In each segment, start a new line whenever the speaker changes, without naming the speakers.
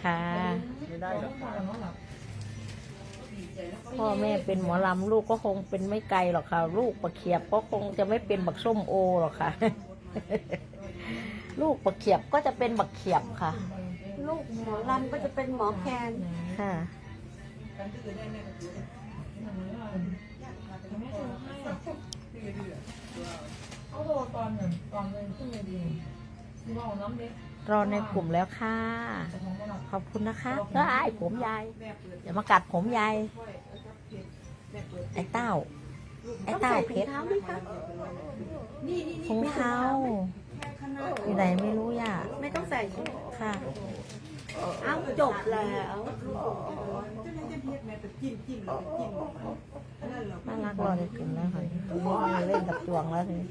ค่ะ
ไม่ได้หรอกค่ะ
พ่อแม่เป็นหมอลำลูกก็คงเป็นไม่ไกลหรอกค่ะลูกประเขียบก็คงจะไม่เป็นบักส้มโอหรอกค่ะ ลูกประเขียบก็จะเป็นบักเขียบค่ะ
ลูกหมอลำก็จะเป็นหมอแคน
ค่ะรอในกลุ่มแล้วค่ะขอบคุณนะคะแล้วไอ้ผมยายอย่ามากัดผมยายไอ้เต้าเพชร
เท้าไหมคะ
ถุงเท้าอยู่ไหนไม่รู้ย่า
ไม่ต้องใส่ใช่ไหม
ค่ะ
อ้าวจบแล้ว
น่ารักรอในกลุ่มแล้วค่ะเล่นกับจวงแล้วทีนี้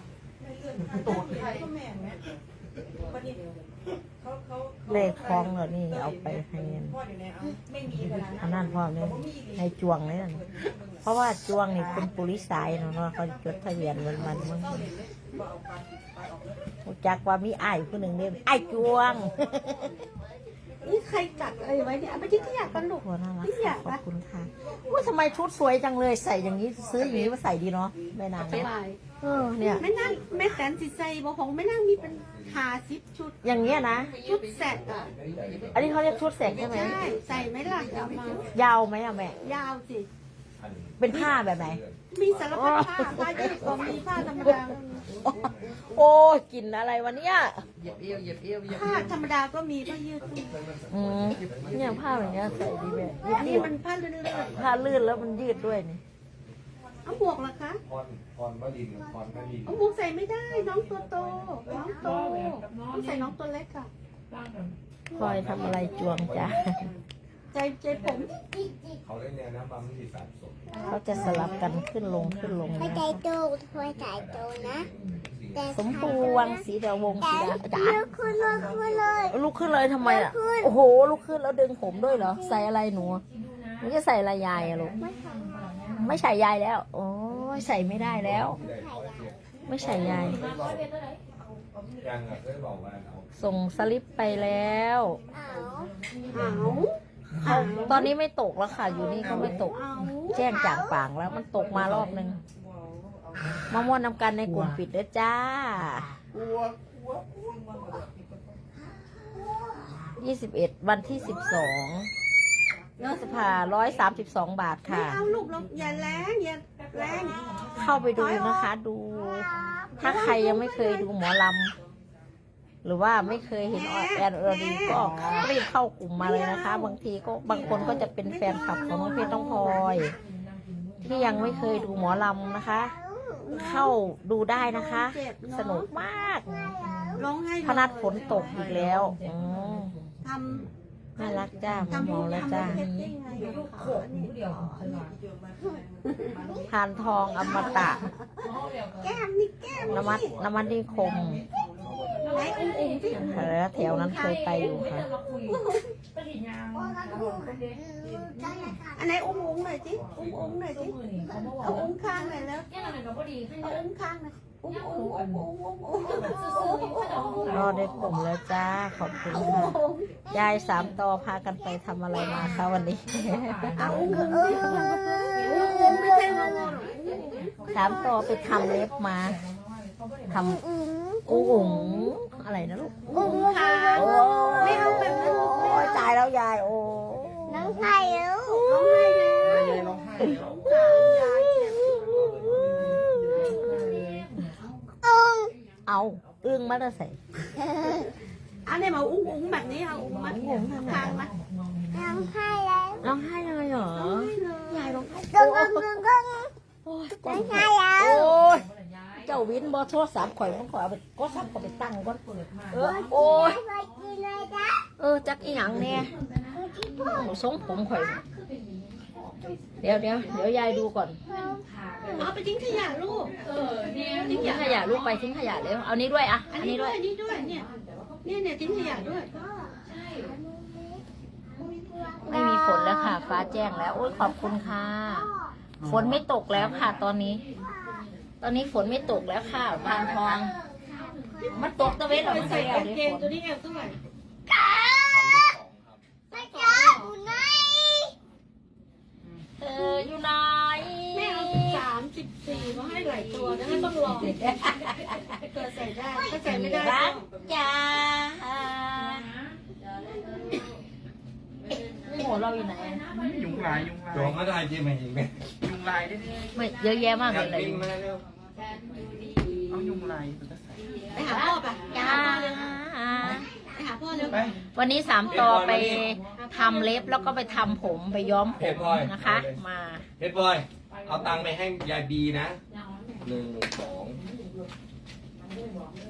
เลขคล้องเหรอนี่เอาไปให้อันนั้นพ่อเนี่ยให้จวงเลยนั่นเพราะว่าจวงนี่เป็นปุริสายเนาะเขาจดทะเบียนมันมึงจักว่ามีไอ้ผู้หนึ่งเนี่ยไอ้จวง
นี่ใครจัดอะไรไว้เนี่ยไปที่ขยะกันลูก
โอ้น่ารัก
ที่ขยะ
ขอบ
ปะ
คุณค่ะว่าทำไมชุดสวยจังเลยใส่อย่างนี้ซื้ออย่างนี้มาใส่ดีเนาะแม่นาง
ส
เนี่ย
บาย
เนี่ย
ไม่นั่งแม่แตนสิใส่บ่ของไม่นั่งมีเป็น50ชุด
อย่างเงี้ยนะ
ชุดแสกอ่ะ
อันนี้เขาเรียกชุดแสกใช่ไหม
ใช่ใส่ไหมล่ะเอามาย
าวไหมอะแม่
ยาวสิ
เป็นผ้าแบบไหน
มีสารพัดผ้ายืดก็มีผ้าธรรมดาก็มี
โอ้ยกลิ่นอะไรวะเนี่ย
ผ้าธรรมดาก็มีผ้ายืดก็มี
เนี่ยผ้าแบบเนี้ยใส่ดีแบบ
อันนี้มันผ้าลื่น
ผ้าลื่นแล้วมันยืดด้วยนี่
ๆเอาหมวกเหรอคะ
พรวลินพรวลิน
เอาหมวกใส่ไม่ได้น้องตัวโตน้องโตต้องใส่น้องตัวเล็กค่ะ
คอยทำอะไรจวงจ้ะ
ใจผม
เขาเล่นเนี่ยนะปั๊มที่สามศพ
เขาจะสลับกันขึ้นลง
ไม่
นะ
ใจโตหัวใจโตนะแต่
สมปูวังสีดาวงสีดาจ๋า
ลุกขึ้นเลยขึ้นเลย
ลุกขึ้นเลยทำไมอ่ะ โอ้โหลุกขึ้นแล้วดึงผมด้วยเหรอ ใส่อะไรหนูหนูจะใส่อะไรยายอะลูก ไม่ใส่ยายแล้ว โอ้ยใส่ไม่ได้แล้ว ไม่ใส่ยาย
ยังอ่ะเคยบอกว่าเอา
ส่งสลิปไปแล้ว
เอา
ตอนนี้ไม่ตกแล้วค่ะ อยู่นี่ก็ไม่ตก
เอา
แจ้งจากปางแล้วมันตกมารอบนึงมาม่วนนำกันในกลุ่มปิดเด้อจ้า 21 วันที่ 12เนื้อสภา132 บาท
ไม่
ค่ะ
เอาลูกเราอย่าแรงอย่าแรง
เข้าไปดูนะคะ ดู ถ้าใครยังไม่เคยดูหมอลำหรือว่าไม่เคยเห็นแอนอรดีก็รีบเข้ากลุ่มมาเลยนะคะ บางทีก็บางคนก็จะเป็นแฟนคลับของน้องเพชรน้องพลอยที่ยังไม่เคยดูหมอลำนะคะ เข้าดูได้นะคะ สนุกมาก
ร้องให้
พนัดฝนตกอีกแล้ว
ท
น่ารักจ้า
ทำ
หมอแล้วจ้า
ทำเพชรได้ไงโขกเดียว
พานทองอมตะ
แก้มนี่แก้ม
นมัดนิคม
ไหนอุ้งที่
แถวนั้นเคยไปอยู่ค่ะ
อันไหนอุ้งหน่อยสิอุ้งหน่อยสิเอาอุ้งข้างหน่อยแล้วเอาอุ้งข้างหน่อยอุ้ง
รอได้กลุ่มแล้วจ้า ขอบคุณค่ะ ยาย3 ต่อพากันไปทำอะไรมาคะวันนี้
เอาอุ้งไม่ใช่งง
3 ต่อไปทำเล็บมาทำอุ๋งอะไรนะลูก
อุ้งข้างไม่เอาแบบนั้น
โอ้ยตายแล้วยายโอ้
น้องไข่แล้ว
ร้องให้เลย
ยายร้องไห้แล้ว
เอาอึ้งมาได้ใส่
อันนี้มาอุ้งแบบนี้เอาอุ้งมาข้างมา
น้องไข่แล้ว
ร้องไห้เลยเหรอยายร้องไห้
ตึ้งตึ้งตึ้งตึ้ง
โอ้ย
น้องไข่แล้ว
โอ้ยเจ้าวินบอโทรศัพท์ข่อยมันข่อยเอาไปก็ซับก็ไปตั้งก่อนโอ้ย
ไปกินเลยจ้ะ
จักอีหยังเนี่ยทรงผมข่อยเดี๋ยวยายดูก่อน
เอาไปทิ้งขยะลูกทิ้ง
ทิ้งขยะลูกไปทิ้งขยะเร็วเอานี้ด้วยอ่ะ
อันนี้ด้วยนี่ด้วยเนี่ยทิ้งขยะด้วย
ไม่มีฝนแล้วค่ะ ฟ้าแจ้งแล้วโอ้ยขอบคุณค่ะฝนไม่ตกแล้วค่ะ ตอนนี้ฝนไม่ตกแล้วค่ะพานทองมันตกตะเวนหรอไม่ใส่
กางเกงตัวนี้เอวเท่าไหร่
ให้ต้องลอง
เกิดใส่ได้ถ้าใส่ไม่ได้
รักจ้านี่หัวเราอยู่ไหน
ยุงลาย
จองก็ได้จริงไหมจริงไหม
ยุงลายได้ดิ
ไม่เยอะแยะมากเลย
บินมาเร็ว
เอายุงลายมันก็ใส่
ไปหาพ่อไป
จ้า
ไปหาพ่อเร็ว
ไป
วันนี้3 ต่อไปทำเล็บแล้วก็ไปทำผมไปย้อมผมนะคะ มา
เพชรบอยเอาตังค์ไปให้ยายบีนะ1 2